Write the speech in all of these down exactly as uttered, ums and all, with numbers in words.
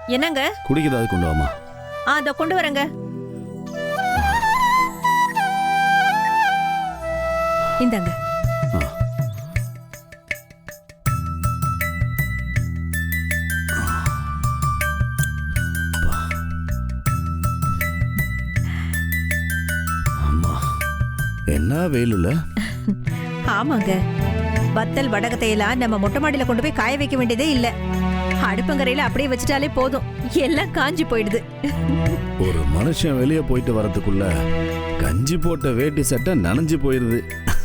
என்னங்க? குடிக்க ஏதாவது கொண்டு வாமா. ஆ அதோ கொண்டு வரேங்க. இந்தாங்க. அம்மா என்ன வெயிலுல? ஆமாங்க, வத்தல் வடகத்தையெல்லாம் நம்ம மொட்டை மாடியில கொண்டு போய் காய வைக்க வேண்டியதே இல்ல. அடுப்பங்கரையில அப்படியே வச்சுட்டாலே போதும், எல்லாம் காஞ்சி போயிடுது. ஒரு மனுஷன் வெளியே போயிட்டு வரதுக்குள்ள கஞ்சி போட்ட வேட்டி சட்டை நனைஞ்சு போயிருது.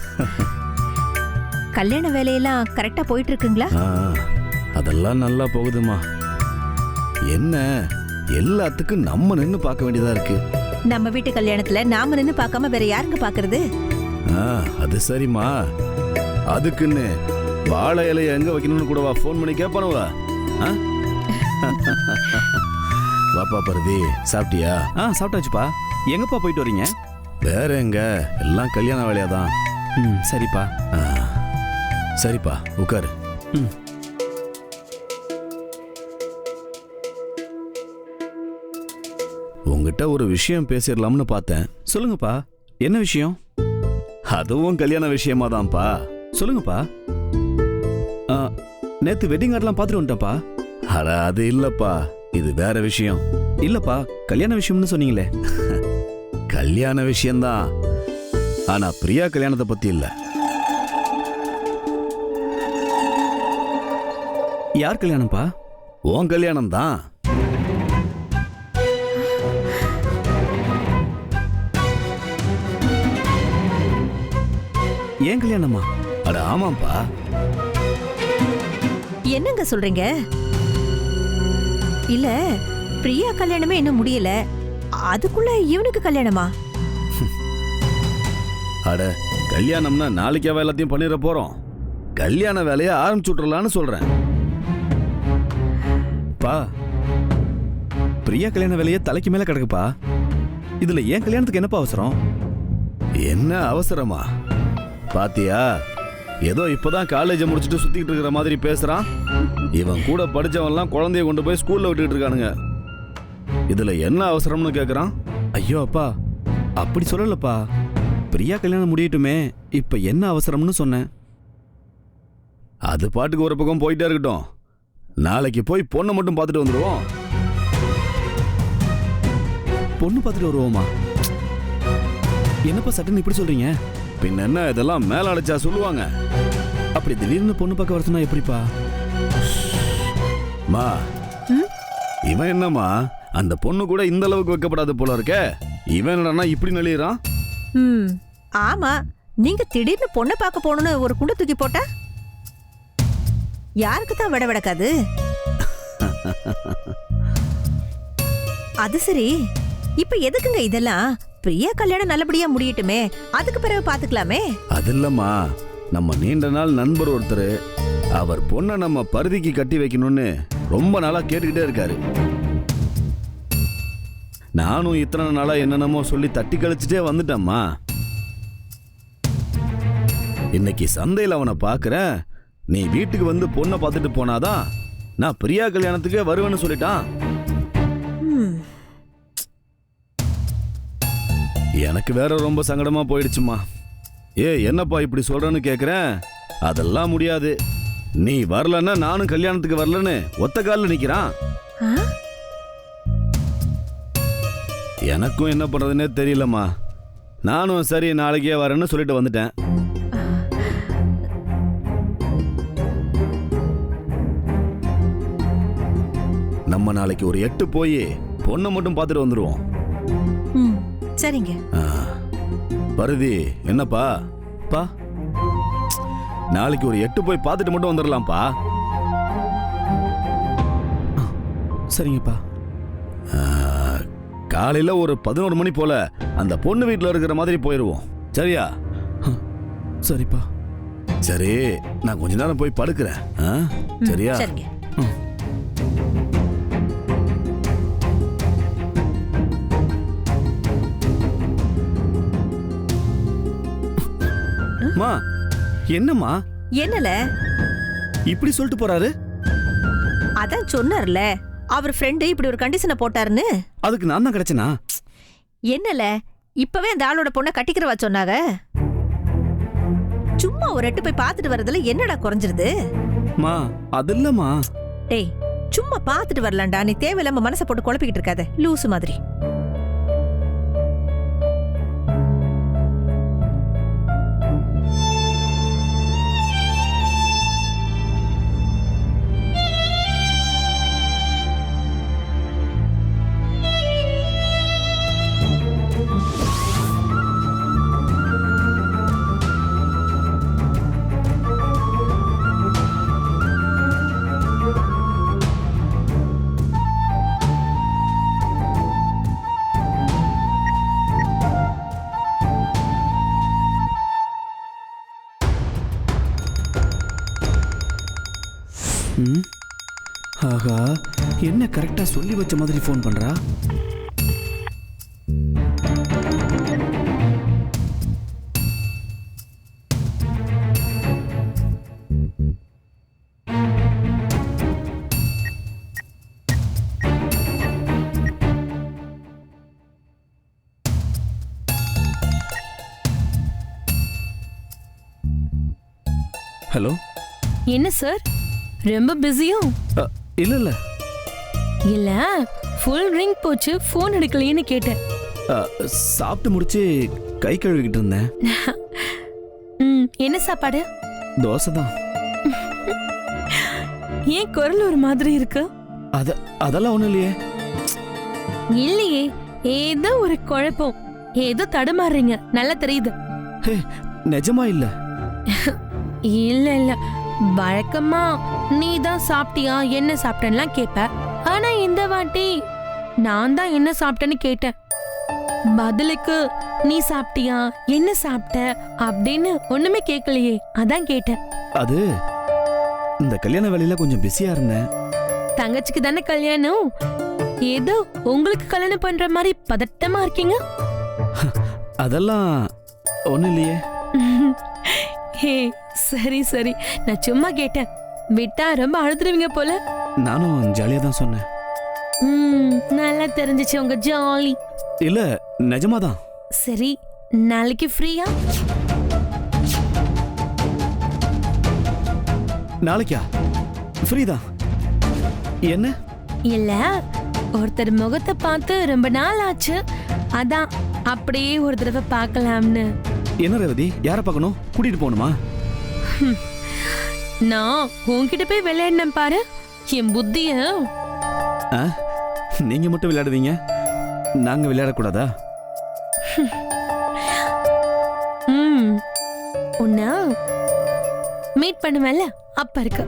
கல்யாண வேலையெல்லாம் கரெக்டா போயிட்டு இருக்குங்களா? அதெல்லாம் நல்லா போகுதுமா. என்ன எல்லாத்துக்கும் நம்ம நின்னு பார்க்க வேண்டியதா இருக்கு. நம்ம வீட்டு கல்யாணத்துல நாம நின்னு பார்க்காம வேற யாருங்க பாக்குறது? அது சரிம்மா, அதுக்குன்னு வாழை இலைய எங்க வைக்கணும்னு கூடவா போன் பண்ணி கேட்பானுவா? வாப்பா பரதி, சாப்பிட்டியா? ஆ சாப்பிட்டாச்சுப்பா. எங்கப்பா போயிட்டு வரீங்க? வேற எங்க, எல்லாம் கல்யாண வேலையாதான். ம் சரிப்பா. சரிப்பா உட்காரு. ம் உங்ககிட்ட ஒரு விஷயம் பேசிடலாம்னு பார்த்தேன். சொல்லுங்கப்பா, என்ன விஷயம்? அதுவும் கல்யாண விஷயமா தான்ப்பா. சொல்லுங்கப்பா. நேத்து வெட்டிங் கார்டெல்லாம் பார்த்துட்டு வந்துட்டேன்ப்பா. அட அது இல்லப்பா, இது வேற விஷயம். இல்லப்பா, கல்யாண விஷயம்னு சொன்னீங்களே. கல்யாண விஷயம்தான், ஆனா பிரியா கல்யாணத்தை பத்தி இல்ல. யார் கல்யாணம்ப்பா? உன் கல்யாணம் தான். ஏன் கல்யாணமா? அட ஆமாப்பா. என்னங்க சொல்றீங்க? இல்ல, பிரியா கல்யாணமே இன்னும் முடியல, அதுக்குள்ள இவனுக்கு கல்யாணமா? அட கல்யாணம்னா நாளைக்காவ எல்லாத்தையும் பண்ணிட போறோம். கல்யாண வேலையை ஆரம்பிச்சு விட்டுறலான்னு சொல்றேன். பா, பிரியா கல்யாண வேலையை தலைக்கு மேல கிடக்குப்பா. இதுல ஏன் கல்யாணத்துக்கு என்னப்பா அவசரம்? என்ன அவசரமா? பாத்தியா, ஏதோ இப்பதான் காலேஜை முடிச்சுட்டு சுத்திட்டு இருக்கிற மாதிரி பேசுறான். இவன் கூட படிச்சவன்லாம் குழந்தைய கொண்டு போய் ஸ்கூல்ல விட்டுட்டு இருக்கானுங்க. இதுல என்ன அவசரம்னு கேக்குறான். ஐயோ அப்பா, அப்படி சொல்லலப்பா. பிரியா கல்யாணம் முடியட்டுமே, இப்ப என்ன அவசரம்னு சொன்னேன். அது பாட்டுக்கு ஒரு பக்கம் போயிட்டே இருக்கட்டும். நாளைக்கு போய் பொண்ணை மட்டும் பார்த்துட்டு வந்துடுவோம். பொண்ணு பார்த்துட்டு வருவோமா? என்னப்பா சட்டுன்னு இப்படி சொல்றீங்க? பின்ன என்ன, இதெல்லாம் மேல அடைச்சா சொல்லுவாங்க. அப்படி திடீர்னு பொண்ணு பார்க்க வர சொன்னா எப்படிப்பா? மா, இவன் என்னம்மா அந்த பொண்ணு கூட இந்த அளவுக்கு வைக்கப்படாது போல இருக்க. இவன் என்னன்னா இப்படி நெளியறான். ம் ஆமா, நீங்க திடீர்னு பொண்ணை பார்க்க போகணும்னு ஒரு குண்டை தூக்கி போட்டா யாருக்கு தான் விட விடக்காது? அது சரி, இப்ப எதுக்குங்க இதெல்லாம்? பிரியா கல்யாணம் நல்லபடியா முடியட்டுமே, அதுக்கு பிறகு பாத்துக்கலாமே. அது இல்லம்மா, நம்ம நீண்ட நாள் நண்பர் ஒருத்தர் அவர் பொண்ணை நம்ம பருதிக்கு கட்டி வைக்கணும்னு ரொம்ப நாளா கேட்டுக்கிட்டே இருக்காரு. நானும் இத்தனை நாளா என்னென்னமோ சொல்லி தட்டி கழிச்சுட்டே வந்துட்டேம்மா. இன்னைக்கு சந்தையில் அவனை பார்க்கிறேன். நீ வீட்டுக்கு வந்து பொண்ணை பார்த்துட்டு போனாதான் நான் பிரியா கல்யாணத்துக்கே வருவேன்னு சொல்லிட்டான். எனக்கு வேற ரொம்ப சங்கடமா போயிடுச்சுமா. ஏ என்னப்பா இப்படி சொல்றேன்னு கேக்குறேன். அதெல்லாம் முடியாது, நீ வரலன்னா நானும் கல்யாணத்துக்கு வரலன்னு ஒத்த காலில் நிக்கிறான். எனக்கும் என்ன பண்றதுன்னே தெரியலம்மா. நானும் சரி நாளைக்கே வரேன்னு சொல்லிட்டு வந்துட்டேன். நம்ம நாளைக்கு ஒரு எட்டு போய் பொண்ணை மட்டும் பார்த்துட்டு வந்துடுவோம். சரிங்க. பருதி என்னப்பா? பா, நாளைக்கு ஒரு எட்டு போய் பார்த்துட்டு மட்டும் வந்துடலாம்ப்பா. சரிங்கப்பா. காலையில ஒரு பதினோரு மணி போல அந்த பொண்ணு வீட்டில் இருக்கிற மாதிரி போயிடுவோம். சரியா? சரிப்பா. சரி, நான் கொஞ்ச நேரம் போய் படுக்கிறேன். சரியா? சரிங்க. மா, என்னம்மா? என்னல இப்படி சொல்லிட்டு போறாரு? அதான் சொன்னார்ல, அவர் ஃப்ரெண்டு இப்படி ஒரு கண்டிஷனை போட்டாருன்னு? அதுக்கு நான் தான் கிடைச்சனா? என்னல இப்பவே அந்த ஆளோட பொண்ணை கட்டிக்கிறவா சொன்னாங்க. சும்மா ஒரு எட்டு போய் பார்த்துட்டு வரதுல என்னடா குறைஞ்சிருது? மா அது இல்லம்மா. டேய் சும்மா பார்த்துட்டு வரலாம்டா, நீ தேவையில்லாம மனசை போட்டு குழப்பிக்கிட்டு இருக்காத லூசு மாதிரி. ம் ஆஹா, என்ன கரெக்டா சொல்லி வச்ச மாதிரி ஃபோன் பண்றா? ஹலோ. என்ன சார் ரொம்ப பிஸியோ? இல்ல இல்ல இல்ல ஃபுல் ரிங் போச்சு, ஃபோன் எடுக்கலையேன்னு கேட்டேன். அ, சாப்பிட்டு முடிச்சு கை கழுவிக்கிட்டு இருந்தேன். ம், என்ன சாப்பாடு? தோசை தான். ஏன் குரல் ஒரு மாதிரி இருக்கு? அத அதெல்லாம் ஒண்ணும் இல்லையே. இல்லையே, ஏதோ ஒரு குழப்பம், ஏதோ தடுமாறுறீங்க, நல்லா தெரியுது. ஹே, நிஜமா இல்ல. இல்ல இல்ல, வழக்கமா நீ தான் சாப்பிட்டியா என்ன சாப்பிட்டேன்லாம் கேட்ப. ஆனா இந்த வாட்டி நான் தான் என்ன சாப்பிட்டேன்னு கேட்டேன். பதிலுக்கு நீ சாப்பிட்டியா என்ன சாப்பிட்ட அப்படின்னு ஒண்ணுமே கேட்கலையே, அதான் கேட்டேன். அது இந்த கல்யாண வேலையில கொஞ்சம் பிஸியா இருந்தேன். தங்கச்சிக்கு தானே கல்யாணம், ஏதோ உங்களுக்கு கல்யாணம் பண்ற மாதிரி பதட்டமா இருக்கீங்க. அதெல்லாம் ஒண்ணும் இல்லையே. ஹே சரி சரி, நான் சும்மா கேட்டேன், விட்டா ரொம்ப அழுதுருவீங்க போல. நானும் ஜாலியா தான் சொன்னேன். ம், நல்லா தெரிஞ்சிச்சு உங்க ஜாலி. இல்ல நிஜமாதான். சரி, நாளைக்கு ஃப்ரீயா? நாளைக்கா? ஃப்ரீதான். என்ன? இல்ல, ஒருத்தர் முகத்தை பார்த்து ரொம்ப நாள் ஆச்சு, அதான் அப்படியே ஒரு தடவை பார்க்கலாம்னு. என்ன ரேவதி, யார பார்க்கணும்? கூட்டிட்டு போகணுமா? நான் உன்கிட்ட போய் விளையாடினேன் பாரு, என் புத்திய. ஆ, நீங்க மட்டும் விளையாடுவீங்க, நாங்க விளையாடக்கூடாதா? ம், உன்ன மீட் பண்ணுவேன்ல அப்ப இருக்கு.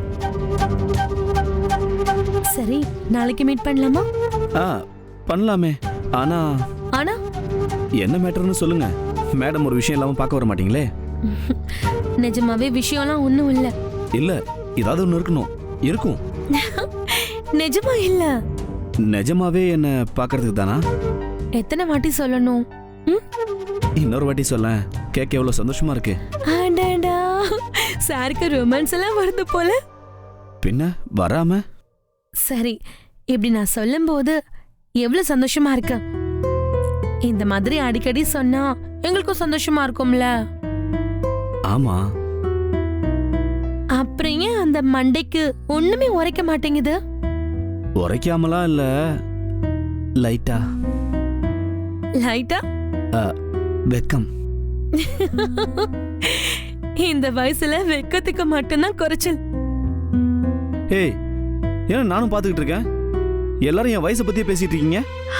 சரி, நாளைக்கு மீட் பண்ணலாமா? ஆ, பண்ணலாமே. ஆனா ஆனா என்ன மேட்டர்னு சொல்லுங்க. மேடம் ஒரு விஷயம் இல்லாம பார்க்க வர மாட்டீங்களே? நிஜமாவே விஷயம்லாம் ஒண்ணும் இல்ல. இல்ல, ஏதாவது ஒண்ணு இருக்கணும். இருக்கும். நிஜமா இல்ல. நிஜமாவே என்ன பார்க்கறதுக்கு தானா? எத்தனை வாட்டி சொல்லணும்? ம்? இன்னொரு வாட்டி சொல்ல, கேட்க எவ்வளவு சந்தோஷமா இருக்கு. ஆண்டாடா, சாருக்கு ரொமான்ஸ் எல்லாம் வருது போல. பின்ன வராம? சரி, இப்படி நான் சொல்லும்போது எவ்வளவு சந்தோஷமா இருக்கு. இந்த மாதிரி அடிக்கடி சொன்னா எங்களுக்கும் சந்தோஷமா இருக்கும்ல. ஆமா. அப்புறம் ஏன் அந்த மண்டைக்கு ஒண்ணுமே உரைக்க மாட்டேங்குது? உரைக்காமலாம் இல்ல, லைட்டா லைட்டா வெக்கம். இந்த வயசுல வெக்கத்துக்கு மட்டும்தான் குறைச்சல். ஏய், ஏன்னா நானும் பாத்துக்கிட்டு இருக்கேன். எல்லாரும் என் வயசை பத்தியே பேசிட்டு இருக்கீங்க.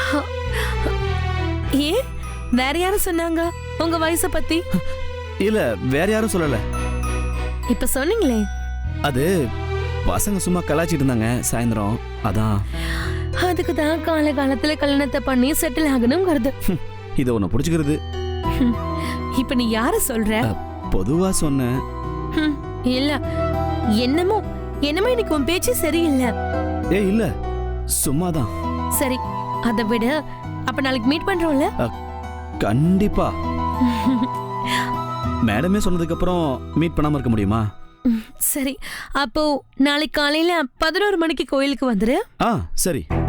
ஏ, வேற யாரும் சொன்னாங்க உங்க வயசை பத்தி? இல்ல, வேற யாரும் சொல்லல. இப்ப சொன்னீங்களே. அது பசங்க சும்மா கலாச்சிட்டு இருந்தாங்க சாயந்தரம், அதான். அதுக்கு தான் கால காலத்துல கல்யாணத்தை பண்ணி செட்டில் ஆகணும் வருது. இத உன்னை புடிச்சுக்கிறது. இப்ப நீ யார சொல்ற? பொதுவா சொன்னேன். ஹம், இல்ல, என்னமோ என்னமோ எனக்கு உன் பேச்சு சரியில்லை. ஏ இல்ல, சும்மாதான். சரி, அதை விட அப்ப நாளைக்கு மீட் பண்றோம்ல? கண்டிப்பா. மேடமே சொன்னதுக்கு அப்புறம் மீட் பண்ணாம இருக்க முடியுமா? சரி, அப்போ நாளைக்கு காலையில பதினோரு மணிக்கு கோயிலுக்கு வந்துரு. ஆ சரி.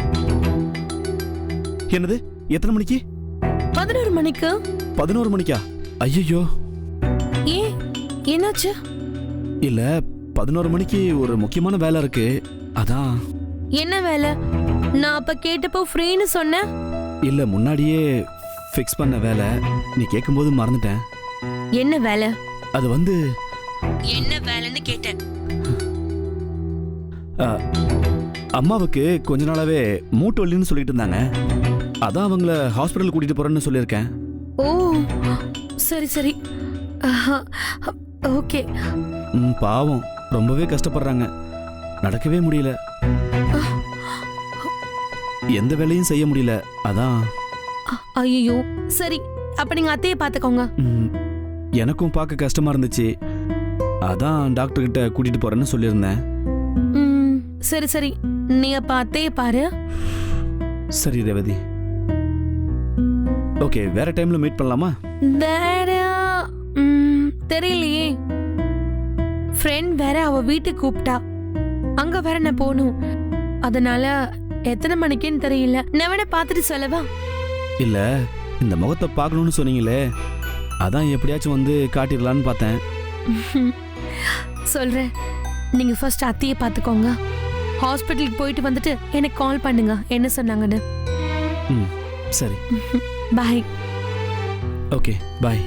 என்னது எத்தனை மணிக்கு? பதினோரு மணிக்கு. பதினோரு மணிக்கா? ஐயோ, ஏன் என்னாச்சு? இல்ல பதினோரு மணிக்கு ஒரு முக்கியமான வேலை இருக்கு, அதான். என்ன வேலை? நான் அப்ப கேட்டப்போ ஃப்ரீன்னு சொன்னேன். இல்ல முன்னாடியே ஃபிக்ஸ் பண்ண வேலை, நீ கேட்கும்போது மறந்துட்டேன். என்ன வேலை? அது வந்து என்ன வேலைன்னு கேட்டேன். ஆ, அம்மாவுக்கு கொஞ்ச நாளாவே மூட்டு வலின்னு சொல்லிட்டு இருந்தாங்க, அதான் அவங்கள ஹாஸ்பிட்டல் கூட்டிட்டு போறேன்னு சொல்லியிருக்கேன். ஓ சரி சரி, ஓகே. ம், பாவம் ரொம்பவே கஷ்டப்படுறாங்க, நடக்கவே முடியல, எந்த வேலையும் செய்ய முடியல, அதான். ஐயோ சரி, அப்ப நீங்க அத்தையை பாத்துக்கோங்க. ம், எனக்கும் பார்க்க கஷ்டமா இருந்துச்சு, அதான் டாக்டர் கிட்ட கூட்டிட்டு போறேன்னு சொல்லியிருந்தேன். ம், சரி சரி, நீ அப்ப அத்தையை பாரு. சரி ரேவதி, ஓகே. வேற டைம்ல மீட் பண்ணலாமா? வேற ம், தெரியலையே. ஃப்ரெண்ட் வேற அவ வீட்டுக்கு கூப்பிட்டா, அங்க வேற நான் போகணும், அதனால எத்தனை மணிக்குன்னு தெரியல. நான் வேணா பார்த்துட்டு சொல்லவா? இல்ல இந்த முகத்தை பார்க்கணும்னு சொன்னீங்களே, அதான் எப்படியாச்சும் வந்து காட்டிடலான்னு பார்த்தேன். சொல்றேன், நீங்க ஃபர்ஸ்ட் அத்தையை பார்த்துக்கோங்க. ஹாஸ்பிட்டலுக்கு போயிட்டு வந்துட்டு எனக்கு கால் பண்ணுங்க என்ன சொன்னாங்கன்னு. ம், சரி. பாய். Okay, bye.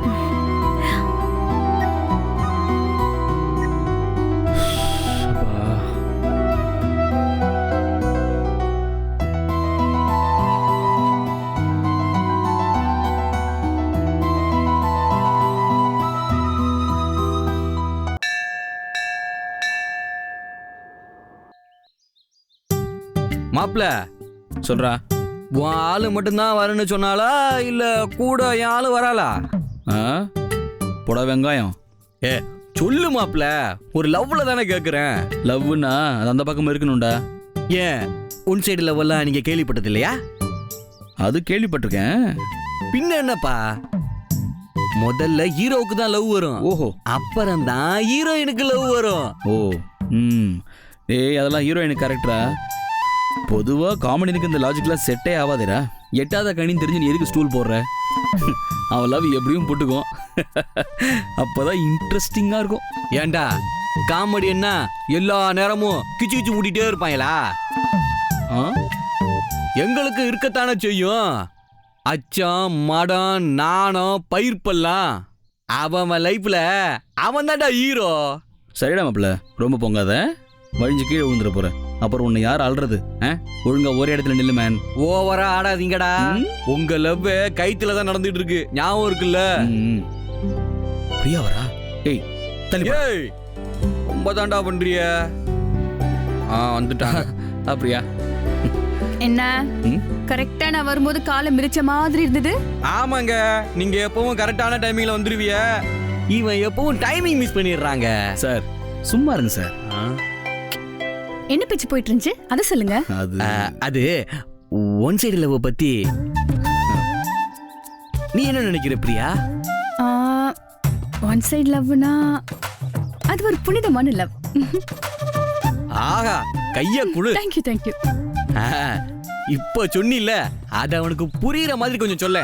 மாப்ள சொல்றா. உன் ஆளு மட்டும்தான் வரேன்னு சொன்னாலா இல்ல கூட என் ஆளு வராளா? புட வெங்காயம். ஏ சொல்லு மாப்ள, ஒரு லவ்ல தானே கேக்குறேன். லவ்னா அது அந்த பக்கம் இருக்கணும்டா. ஏன் உன் சைடு லவ்வெல்லாம் நீங்க கேள்விப்பட்டது இல்லையா? அது கேள்விப்பட்டிருக்கேன். பின்ன என்னப்பா, முதல்ல ஹீரோவுக்கு தான் லவ் வரும். ஓஹோ. அப்புறம் தான் ஹீரோயினுக்கு லவ் வரும். ஓ. ம். ஏய் அதெல்லாம் ஹீரோயினுக்கு கரெக்டா? பொதுவா காமெடினுக்கு இந்த லாஜிக்லாம் செட்டே ஆகாதேடா. எட்டாத கணின்னு தெரிஞ்சு நீ எதுக்கு ஸ்டூல் போடுற? அவன் லவ் எப்படியும் போட்டுக்கும், அப்பதான் இன்ட்ரெஸ்டிங்கா இருக்கும். ஏண்டா காமெடி என்ன எல்லா நேரமும் கிச்சு கிச்சு மூட்டிட்டே இருப்பாங்களா? எங்களுக்கு இருக்கத்தானே செய்யும். அச்சம், மடம், நாணம், பயிர்ப்பெல்லாம் அவன் லைஃப்ல அவன் தான்டா ஹீரோ. சரிடா மாப்பிள்ள, ரொம்ப பொங்காத, வழிஞ்சு கீழே விழுந்துட போற. அப்புறம் உன்னை யார் அல்றது? ஒழுங்கா ஒரே இடத்துல நில்லு மேன். ஓவரா ஆடாதீங்கடா. உங்க லவ் கைத்துல தான் நடந்துட்டு இருக்கு, ஞாபகம் இருக்குல்ல? பிரியா வரா? ஏய் தள்ளி. ஏய் ரொம்ப தாண்டா பண்றிய. ஆ வந்துட்டாங்க. அப்படியா? என்ன கரெக்டா நான் வரும்போது காலை மிரிச்ச மாதிரி இருந்தது. ஆமாங்க, நீங்க எப்பவும் கரெக்டான டைமிங்ல வந்துருவிய. இவன் எப்பவும் டைமிங் மிஸ் பண்ணிடுறாங்க. சார் சும்மா இருங்க சார். என்ன பேச்சு போயிட்டு இருந்துச்சு அத சொல்லுங்க. அது அது ஒன் சைடு லவ் பத்தி நீ என்ன நினைக்கிற பிரியா? ஒன் சைடு லவ்னா அது ஒரு புனிதமான லவ். ஆஹா, கைய குடு. Thank you thank you. இப்ப சொன்னில, அத அவனுக்கு புரியுற மாதிரி கொஞ்சம் சொல்ல.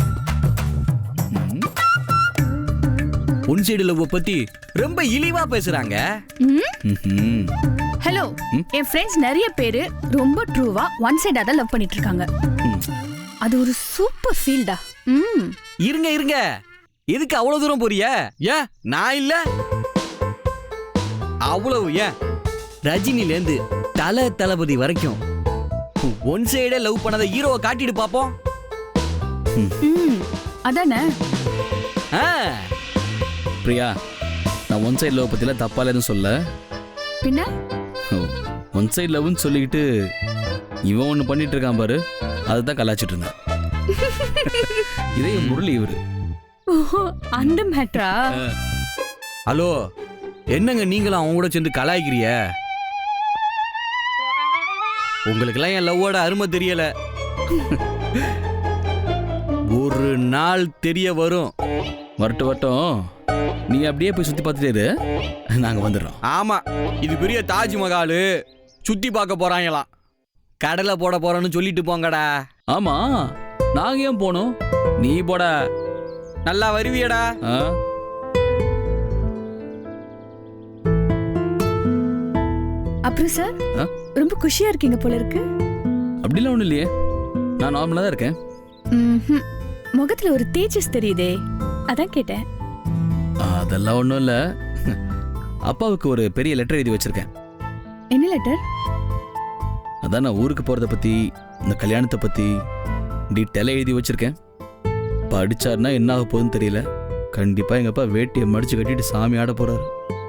ஒன் சைடு லவ் பத்தி ரொம்ப இழிவா பேசுறாங்க. ஹலோ, என் ஃப்ரெண்ட்ஸ் நிறைய பேரு ரொம்ப ட்ரூவா ஒன் சைடா தான் லவ் பண்ணிட்டு இருக்காங்க. அது ஒரு சூப்பர் ஃபீல்டா. ம் இருங்க இருங்க, எதுக்கு அவ்வளவு தூரம் போறிய? ஏன் நான் இல்ல அவ்வளவு? ஏன் ரஜினில இருந்து தல தளபதி வரைக்கும் ஒன் சைடே லவ் பண்ணாத ஹீரோவை காட்டிட்டு பாப்போம். ம் அதானே. பிரியா, நான் ஒன் சைடு லவ் பத்தில தப்பால எதுவும் சொல்ல. பின்ன ஒன் சைடு லவ்னு சொல்லிக்கிட்டு இவன் ஒன்று பண்ணிட்டு இருக்கான் பாரு, அதுதான் கலாச்சிட்டு இருந்தேன். இதே முரளி இவரு. அந்த மேட்ரா? ஹலோ, என்னங்க நீங்களும் அவங்க கூட சேர்ந்து கலாய்க்கிறிய? உங்களுக்கெல்லாம் என் லவ்வோட அருமை தெரியல. ஒரு நாள் தெரிய வரும். வரட்டும் வரட்டும், நீ அப்படியே போய் சுத்தி பார்த்துட்டே நாங்க வந்துடுறோம். ஆமா, இது பெரிய தாஜ்மஹால், சுத்தி பார்க்க போறாங்களாம். கடலை போட போறோன்னு சொல்லிட்டு போங்கடா. ஆமா நாங்க ஏன் போனோம்? நீ போடா. நல்லா வருவியடா. ஆ? அப்புறம் சார் ஆ? ரொம்ப குஷியா இருக்கீங்க போல இருக்கு. அப்படிலாம் ஒண்ணும் இல்லையே, நான் நார்மலா தான் இருக்கேன். ம்ஹும். முகத்துல ஒரு தேஜஸ் தெரியுதே, அதான் கேட்டேன். அதெல்லாம் ஒண்ணும் இல்ல. அப்பாவுக்கு ஒரு பெரிய லெட்டர் எழுதி வச்சிருக்கேன். என்ன லெட்டர்? அதான் நான் ஊருக்கு போறத பத்தி, இந்த கல்யாணத்தை பத்தி டீட்டெயிலாக எழுதி வச்சிருக்கேன். படிச்சாருன்னா என்ன ஆக போகுதுன்னு தெரியல. கண்டிப்பா எங்க அப்பா வேட்டியை மடிச்சு கட்டிட்டு சாமி ஆட போறாரு.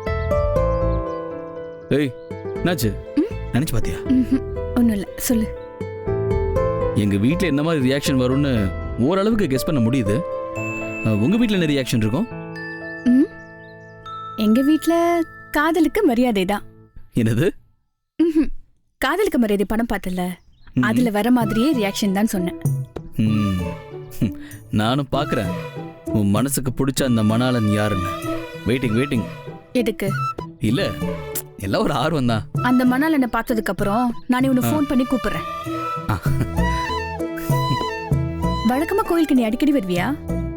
ஏய் என்னாச்சு, நினைச்சு பாத்தியா? ஒன்னும் இல்ல, சொல்லு. எங்க வீட்டில் என்ன மாதிரி ரியாக்ஷன் வரும்னு ஓரளவுக்கு கெஸ் பண்ண முடியுது. அஹ், உங்க வீட்டில் என்ன ரியாக்ஷன் இருக்கும்? ம்? எங்க வீட்ல காதலுக்கு மரியாதை தான். என்னது? ம்ஹும். காதலுக்கு மரியாதை படம் பார்த்தல, அதுல வர மாதிரியே ரியாக்ஷன் தான் சொன்னேன். ம். நானும் பார்க்குறேன் உன் மனசுக்கு பிடிச்ச அந்த மணாளன் யாருன்னு. Waiting waiting. எதுக்கு? இல்ல எல்லாம் ஒரு ஆர்வம் தான். அந்த மணால் என்ன பார்த்ததுக்கு அப்புறம் நானே உன்னை ஃபோன் பண்ணி கூப்பிடுறேன். வழக்கமா கோயிலுக்கு நீ அடிக்கடி வருவியா?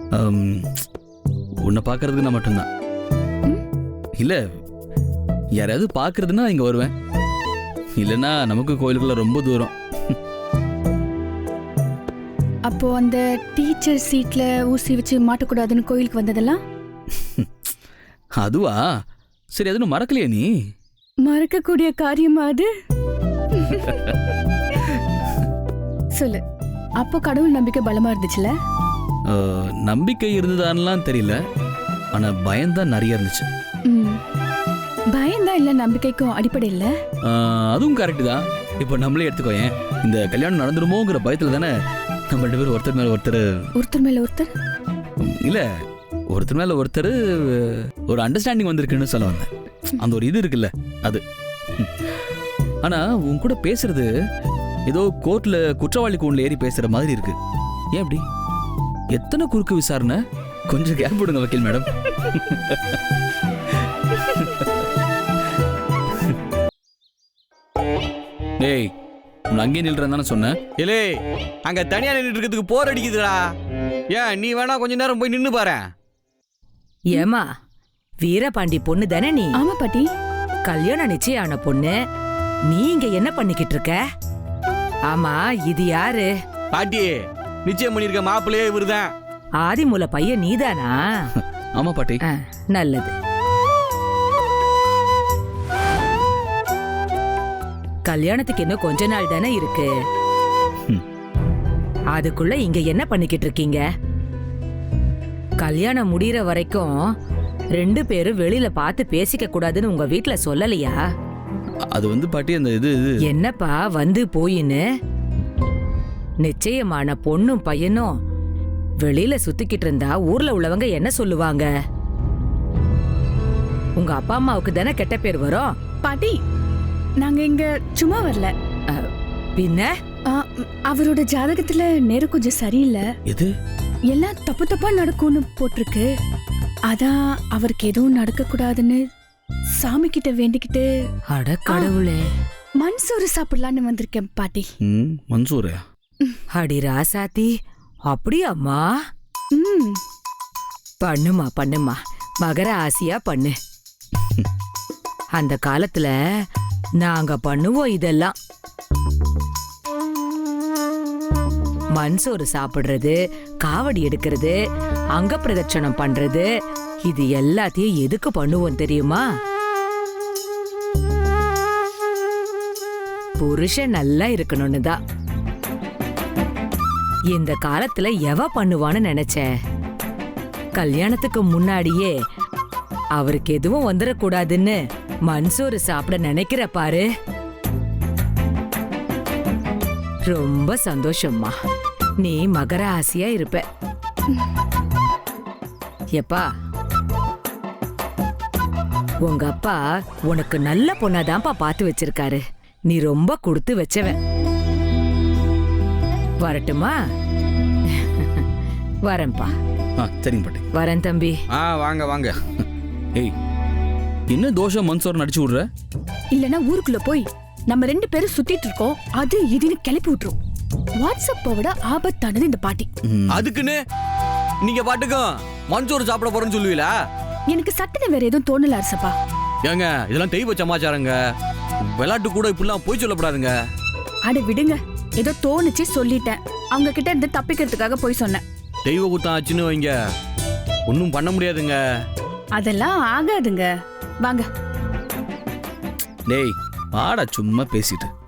உன்னை பார்க்கறதுக்கு நான் மட்டும்தான். இல்ல யாராவது பார்க்கறதுன்னா இங்க வருவேன். இல்லைன்னா நமக்கு கோயிலுக்குள்ள ரொம்ப தூரம். அப்போ அந்த டீச்சர் சீட்ல ஊசி வச்சு மாட்டக்கூடாதுன்னு கோயிலுக்கு வந்ததெல்லாம் அதுவா? சரி, அதுன்னு மறக்கலையா நீ? மறக்கக்கூடிய காரியமா அது? சொல்லு. அப்போ கடவுள் நம்பிக்கை பலமா இருந்துச்சுல? அஹ், நம்பிக்கை இருந்ததான்லாம் தெரியல, ஆனா பயம்தான் நிறைய இருந்துச்சு. ம். பயம்தான் இல்ல நம்பிக்கைக்கும் அடிப்படை இல்ல? அஹ், அதுவும் கரெக்டு தான். இப்போ நம்மளே எடுத்துக்கோயேன், இந்த கல்யாணம் நடந்துருமோங்கிற பயத்துல தானே நம்ம ரெண்டு பேரும் ஒருத்தர் மேல ஒருத்தர் ஒருத்தர் மேல ஒருத்தர் இல்ல ஒருத்தர் மேல ஒருத்தர் ஒரு அண்டர்ஸ்டாண்டிங் வந்திருக்குன்னு சொல்ல வந்தேன். அந்த ஒரு இது இருக்குல்ல அது. ஆனா உன் கூட பேசுறது ஏதோ கோர்ட்ல குற்றவாளி கூண்டில் ஏறி பேசுற மாதிரி இருக்கு. ஏன் அப்படி? எத்தனை குறுக்கு விசாரணை? கொஞ்சம் கேப் விடுங்க வக்கீல் மேடம். டேய், உன் அங்கே நில்றதானே சொன்னேன். இல்லே, அங்க தனியா நின்றுட்டு இருக்கிறதுக்கு போர் அடிக்குதுடா. ஏன் நீ வேணா கொஞ்ச நேரம் போய் நின்னு பாரு. ஏமா, வீரபாண்டி பொண்ணு தானே நீ? ஆமா பாட்டி. கல்யாணம் நிச்சயம் ஆன பொண்ணு. நீ இங்க என்ன பண்ணிக்கிட்டு இருக்க? ஆமா, இது யாரு? பாட்டி, நிச்சயம் பண்ணிருக்க மாப்பிள்ளையே இவருதான். ஆதிமூல பையன் நீதானா? ஆமா பாட்டி. ஆ, நல்லது. கல்யாணத்துக்கு இன்னும் கொஞ்ச நாள் தானே இருக்கு. ம். அதுக்குள்ள இங்க என்ன பண்ணிக்கிட்டு இருக்கீங்க? கல்யாணம் முடியற வரைக்கும் ரெண்டு பேரும் வெளியில பார்த்து பேசிக்க கூடாதுன்னு உங்க வீட்ல சொல்லலையா? அது வந்து பாட்டி அந்த இது இது என்னப்பா வந்து போயின்னு? நிச்சயமான பொண்ணும் பையனும் வெளியில சுத்திக்கிட்டு இருந்தா ஊர்ல உள்ளவங்க என்ன சொல்லுவாங்க? உங்க அப்பா அம்மாவுக்கு தானே கெட்ட பேர் வரும். பாட்டி, நாங்க இங்க சும்மா வரல. பின்ன ஆ, அவரோட ஜாதகத்துல நேரம் கொஞ்சம் சரியில்லை. எது? எல்லாம் தப்பு தப்பா நடக்கும்னு போட்டிருக்கு. அதான் அவருக்கு எதுவும் நடக்க கூடாதுன்னு சாமி கிட்ட வேண்டிக்கிட்டு அட கடவுளே. மன்சோறு சாப்பிடலான்னு வந்திருக்கேன் பாட்டி. ம், மன்சூர். அடி ராசாத்தி, அப்படியாம்மா? ம். பண்ணுமா பண்ணுமா, மகர ஆசியா பண்ணு. அந்த காலத்துல நாங்க பண்ணுவோம் இதெல்லாம். மன்சோறு சாப்பிடுறது, காவடி எடுக்கிறது, அங்க பிரதட்சணம் பண்றது, இது எல்லாத்தையும் எதுக்கு பண்ணுவோம் தெரியுமா? புருஷன் நல்லா இருக்கணும்னு தான். இந்த காலத்துல எவ பண்ணுவான்னு நினைச்ச? கல்யாணத்துக்கு முன்னாடியே அவருக்கு எதுவும் வந்துடக்கூடாதுன்னு மன்சோறு சாப்பிட நினைக்கிற பாரு. ரொம்ப சந்தோஷம்மா. நீ மகர ஆசியா இருப்ப. எப்பா, உங்க அப்பா உனக்கு நல்ல பொண்ணாதான்ப்பா பார்த்து வச்சிருக்காரு. நீ ரொம்ப கொடுத்து வச்சவன். வரட்டுமா? வரேன்பா. ஆ, சரிங்க பாட்டி. வரேன் தம்பி. ஆ, வாங்க வாங்க. ஏய், என்ன தோஷம் மன்சூர் நடிச்சு விடுற? இல்லனா ஊருக்குள்ள போய் நம்ம ரெண்டு பேரும் சுத்திட்டு இருக்கோம், அது இதுன்னு கிளப்பி விட்டுரும். வாட்ஸ்அப்பை விட ஆபத்தானது இந்த பாட்டி. ம். அதுக்குன்னு நீங்க பாட்டுக்கும் மஞ்சோறு சாப்பிட போறேன்னு சொல்லுவீங்களா? எனக்கு சட்டுன்னு வேற எதுவும் தோணல அரசப்பா. ஏங்க இதெல்லாம் தெய்வ சமாச்சாரங்க. விளையாட்டு கூட இப்படிலாம் போய் சொல்லப்படாதுங்க. அட விடுங்க, ஏதோ தோணுச்சு சொல்லிட்டேன். அவங்க கிட்ட இருந்து தப்பிக்கிறதுக்காக போய் சொன்னேன். தெய்வ குத்தம் ஆச்சுன்னு வைங்க, ஒன்றும் பண்ண முடியாதுங்க. அதெல்லாம் ஆகாதுங்க. வாங்க. டேய் வாடா சும்மா பேசிட்டு